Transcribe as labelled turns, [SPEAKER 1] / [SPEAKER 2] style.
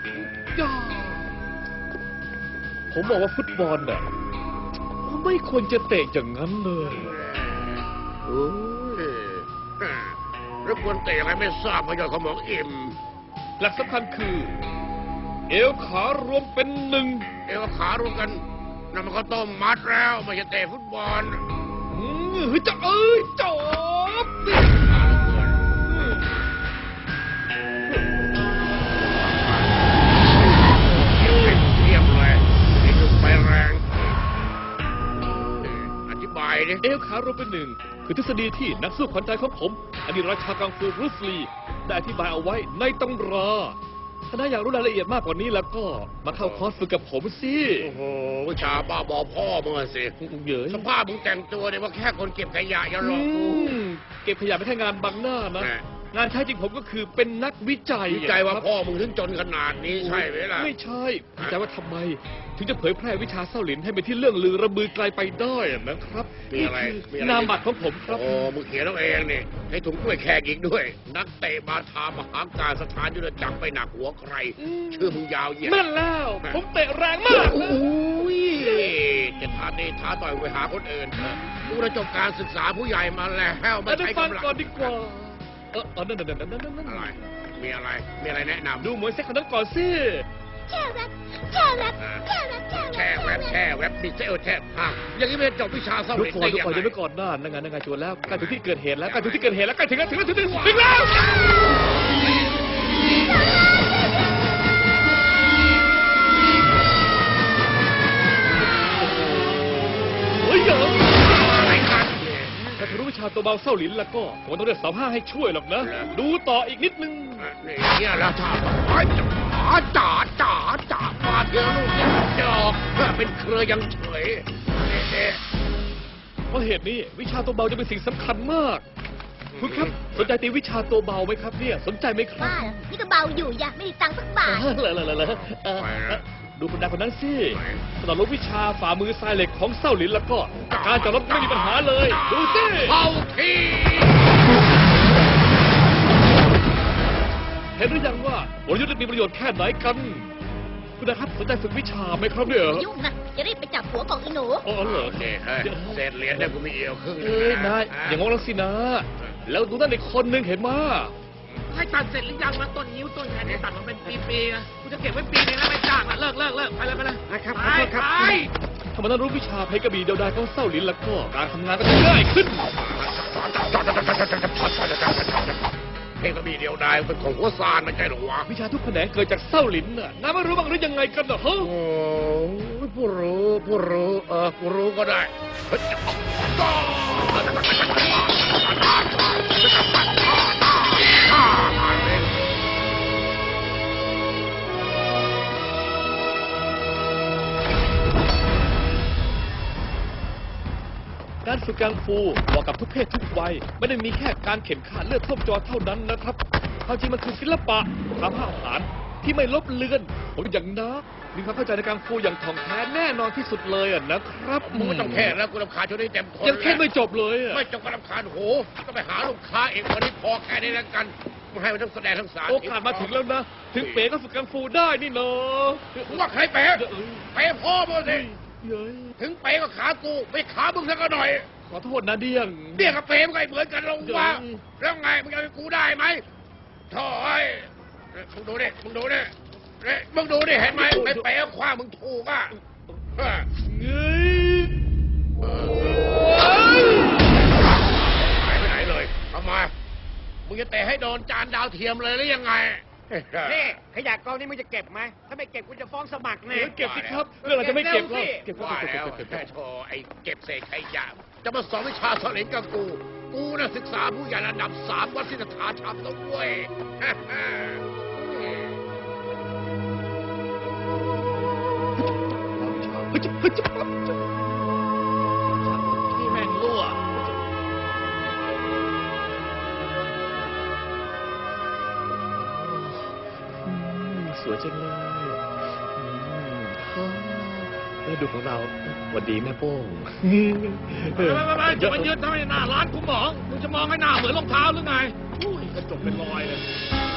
[SPEAKER 1] ผมบอกว่าฟุตบอลน่ะไม่ควรจะเตะอย่างนั้นเลย
[SPEAKER 2] แล้วควรเตะอะไรไม่ทราบเพราะยอดสมองอิ่ม
[SPEAKER 1] หลักสำคัญคือเอวขารวมเป็นหนึ่ง
[SPEAKER 2] เอวขารวมกันนั่นมันก็ต้มมัดแล้วไม่ใช่เตะฟุตบอล
[SPEAKER 1] จะจบ
[SPEAKER 2] เทียบเลยนี่คือไปแรงอธิบายดิ
[SPEAKER 1] เอวขารวมเป็นหนึ่งคือทฤษฎีที่นักสู้ขวัญใจของผมอดีตราชากังฟูบรูซลีได้อธิบายเอาไว้ในตำราถ้าอยากรู้รายละเอียดมากกว่านี้แล้วก็มาเข้าคอร์สฝึกกับผมสิ
[SPEAKER 2] โอ้โหวิชาบ้าบอพ่อมึงสิ
[SPEAKER 1] เยอะ
[SPEAKER 2] สภาพมึงแต่งตัวเนี่ยว่าแค่คนเก็บขยะอย่าหลอกกู
[SPEAKER 1] เก็บขยะไม่ใช่งานบังหน้านะงานแท้จริงผมก็คือเป็นนักวิจัย
[SPEAKER 2] ว่าพ่อมึงถึงจนขนาดนี้ใช่ไหมล่ะ
[SPEAKER 1] ไม่ใช่วิจัยว่าทำไมถึงจะเผยแพร่วิชาเส้าหลินให้เป็นที่เรื่องลือระบือไกลไปได้นะครับ
[SPEAKER 2] มีอะไร
[SPEAKER 1] นามบัตรของผมครับ
[SPEAKER 2] โอ้มึงเขียนเอาเองนี่ให้ถุงกล้วยแขกอีกด้วยนักเตะบาทามหาการสถานยุทธจักรไปหนักหัวใครชื่อมึงยาวเหยียด
[SPEAKER 1] นั่นแล้วผมเตะแรงมาก
[SPEAKER 2] โอ้ยจะท้าเตะท้าต่อยไปหาคนอื่นกูได้จบการศึกษาผู้ใหญ่มาแล้ว
[SPEAKER 1] ไม่ใช้กำลังก่อนดีกว่านั่น
[SPEAKER 2] อะไรมีอะไรแนะนำ
[SPEAKER 1] ดูมวยเซ็กคนนั้นก่อนสิ
[SPEAKER 3] แช่แวบ
[SPEAKER 2] ดิเซลแทบอย่างนี้ไม่จบวิชาเศร้าเด็กได้ยังไง
[SPEAKER 1] ดูก่อนหน้านั่งชวนแล้วใกล้ถึงที่เกิดเหตุแล้วใกล้ถึงที่เกิดเหตุแล้วใกล้ถึงแล้วเฮ้ย
[SPEAKER 2] อะไรกัน
[SPEAKER 1] ถ้ารู้วิชาตัวเบาเศร้าหลินแล้วก็ผมต้องเรียก2-5ให้ช่วยหรอกนะดูต่ออีกนิดนึง
[SPEAKER 2] เนี่ยแล้วถ้าจ่ามาเที่ยวลูกเนี่ยจะออกเป็นเครือยังเฉย
[SPEAKER 1] เพราะเหตุนี้วิชาตัวเบาจะเป็นสิ่งสำคัญมากคุณครับสนใจตีวิชาตัวเบาไหมครับเนี่ยสนใจไหมครับ
[SPEAKER 3] บ้านี่ก็เบาอยู่อย่าไม่ได้ตังค์สักบาท
[SPEAKER 1] ดูคนใดคนนั้นสิสำหรับวิชาฝ่ามือทรายเหล็กของเศร้าหลินแล้วก็การจับรถไม่มีปัญหาเลยดูสิ
[SPEAKER 2] เข้าที่
[SPEAKER 1] เห็นหรือยังว่าบริยุทธ์มีประโยชน์แค่ไหนกันคุณนะครับสนใจฝึกวิชาไหมครับเนี่ย
[SPEAKER 3] ยุ่งนะจะรีบไปจับหัวของอีหนู
[SPEAKER 1] อ๋อเหรอ
[SPEAKER 2] เนี่ยเศษเหรียญเนี่ยกูมีเอวครึ่ง
[SPEAKER 1] นายอย่างงงแล้วสินะแล้วดูนั่นอีกคนนึงเห็นมา
[SPEAKER 4] ให้ตัดเสร็จหรือยังมาต้นนิ้วต้นแขนเนี่ยตัดมาเป็นปีๆนะกูจะเก็บไว้ปีนึงแล้วไม่จ้างละเลิกไปเลย
[SPEAKER 2] นะครับ
[SPEAKER 1] ถ้ามันรู้วิชาเพกระบี่เดียวดายของเศร้าลิ้นแล้วก็การทำงานก็จะง่ายขึ้น
[SPEAKER 2] เพกระบี่เดียวดายเป็นของหัวซานไม่ใช่หรอวะ
[SPEAKER 1] วิชาทุกแขนงเกิดจากเศร้าลิ้นน่ะน้าไม่รู้บ้างหรือยังไงกันเหรอฮะ
[SPEAKER 2] โอ้ผู้รู้ก็ได้
[SPEAKER 1] การฝึกกังฟูเหมาะกับทุกเพศทุกวัยไม่ได้มีแค่การเข็นขาเลือดท่วมจอเท่านั้นนะครับความจริงมันคือศิลปะทางอาหารที่ไม่ลบเลือนผมอย่างนะมีความเข้าใจในกังฟูอย่างถ่องแท้แน่นอนที่สุดเลยนะครับ
[SPEAKER 2] มึงไม่ต้องแค่แล้วกูรำคาญจนได้เต็มทน
[SPEAKER 1] ยังแค่ไม่จบเลย
[SPEAKER 2] ไม่จบก็รำคาญโหก็ไปหาลูกค้าเองวันนี้พอแค่นี้แล้วกันมึงให้มันทั้งแสดงทั้งสาร
[SPEAKER 1] โอกาสมาถึงแล้วนะถึงเป๋ก็ฝึกกังฟูได้นี่เนาะ
[SPEAKER 2] ว่าใครเป๋พ่อมึงสิถึงเป๋ก็ขากูไม่ขามึงสักหน่อย
[SPEAKER 1] ขอโทษนะเดี้ยง
[SPEAKER 2] กับเป๋มันก็เหมือนกันลงว่าแล้วไงมึงจะกูได้ไหมถอยมึงดูดิเห็นไหมไม่เป๋คว้ามึงถูกอ่ะหายไปไหนเลยทำไมมึงจะเตะให้โดนจานดาวเทียมเลยหรือยังไง
[SPEAKER 4] นี่ขยะกองนี้มึงจะเก็บไหมถ้าไม่เก็บกูจะฟ้องสมัครแน่
[SPEAKER 1] เก็บสิครับเรื่องอะไรจะไม่เก็บหรอก
[SPEAKER 2] เก็บแล้วแค่โชว์ไอ้เก็บเศษขยะจะมาสอนวิชาเสลงกับกูน่ะศึกษาผู้ใหญ่ระดับ3วัดศิลธาธรรมต้องเว้ย
[SPEAKER 1] นี่แม่งรั่วสวยจังเลยดูของเราวันดีแม่โป้ง
[SPEAKER 4] จะมายืนทำไมหน้าร้านกูมองมึงจะมองให้หน้าเหมือนรองเท้าหรือไง
[SPEAKER 1] กระจกเป็นรอยเลย